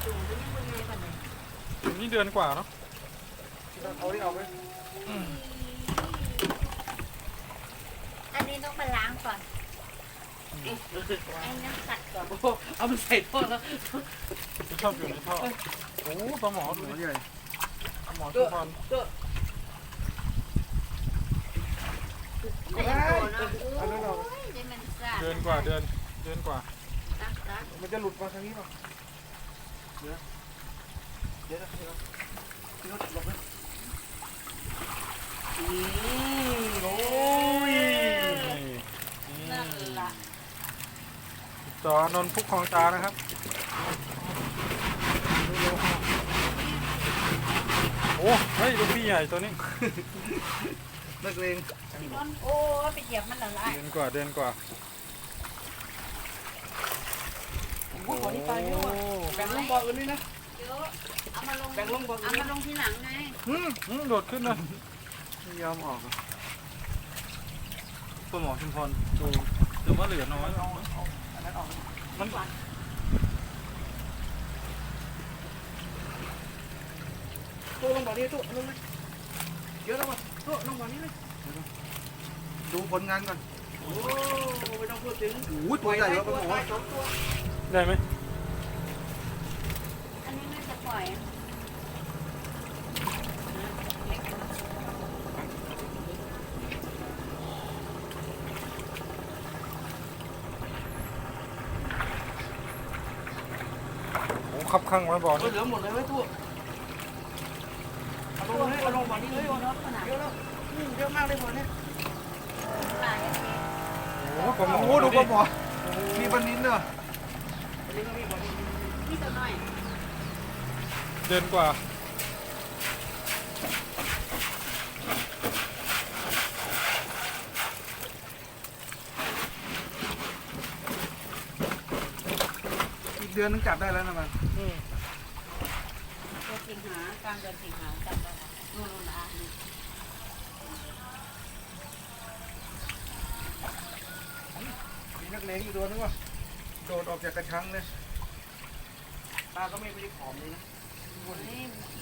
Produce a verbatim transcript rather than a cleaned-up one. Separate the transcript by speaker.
Speaker 1: นี่เดือนกว่าเนาะ
Speaker 2: เอาที่เอาไป
Speaker 3: อันนี้ต้องมาล้างก่อนไอ้น้ำกัดก่อน
Speaker 4: โอ้เอามันใส่ท่อแล้ว
Speaker 1: ชอบอยู่ในท่อโอ้ปลาหมอดู
Speaker 2: หัว
Speaker 1: ดิ
Speaker 2: ใหญ่
Speaker 1: ปลาหมอชุมพร
Speaker 4: ก็
Speaker 3: ไม่ได้โตเนาะโอ้ยเดี๋ยวมันสาด
Speaker 1: เดือนกว่าเดือนเดือนกว่า
Speaker 3: ตักตัก
Speaker 2: มันจะหลุดมาทางนี้ป่ะเดี๋ยวเดี๋ยวเดี๋ยวพี่รถหลบนะอืมโอ้ย
Speaker 3: นั่นล่ะ
Speaker 1: จอนนท์พุกคลองตานะครับโอ้เฮ้ยลูกพี่ใหญ่ตัวนี้
Speaker 2: นักเลง
Speaker 3: โอ้ไปเหยียบมันละลาย
Speaker 1: เดือนกว่าเดือนกว่า
Speaker 4: โอ้โหนี่ตายเยอะว่ะแบ่งลงบ่ออื่นด้วยนะ
Speaker 3: เยอะเอามาลง
Speaker 4: แบ่งลงบ่ออื่
Speaker 3: เอา
Speaker 4: น
Speaker 3: มาลงทีหลังไง
Speaker 1: อืมอืมโดดขึ้นเลย
Speaker 2: ไม่ยอมออกอ่ะ
Speaker 1: ปลาหมอชุมพรดูแต่ว่าเหลือน้อย
Speaker 2: อันนั้นออก
Speaker 1: มัน
Speaker 4: ตู้ลงบ่อนี้ตู้ลงเลยเยอะแล้วว่ะตู้ลงบ่อนี้เลย
Speaker 2: ดูผลงานก่อน
Speaker 4: โอ้ไม่ต้องพูดถึง
Speaker 2: โอ้ยตัวใหญ่แล้วปลาหมอ
Speaker 4: สองตัว
Speaker 1: ได้ไหม
Speaker 3: อันนี้น่าจะปล่อย
Speaker 1: โอ้ขับข้างไว้บ่อ
Speaker 4: เหลือหมดเลยไว้ตู้เอาลงเลยเอาลงบ่อนี้เลย
Speaker 3: รถขนาด
Speaker 4: เยอะแล้วเยอะมากเลยบ่อนี้
Speaker 3: ตาย
Speaker 1: โอ้ปลาหมอ
Speaker 2: โอ้ดูปลาหมอมีปลานิ้นเนอะ
Speaker 4: อันนี้ก็มีบ่อนี้
Speaker 3: นี่ตัวน้อย
Speaker 1: เดือนกว่า
Speaker 2: อีกเดือนนึงจับได้แล้วนะมัน
Speaker 1: อืม
Speaker 3: เดือนสิงหากลางเดือนสิงหาจับได้ละนู่นๆอ่ะนี่
Speaker 2: มีนักเลงอยู่ตัวนึงว่ะโดดออกจากกระชังเลย
Speaker 4: ตาก็ไม่ได้ผอมเลยนะ
Speaker 3: นี่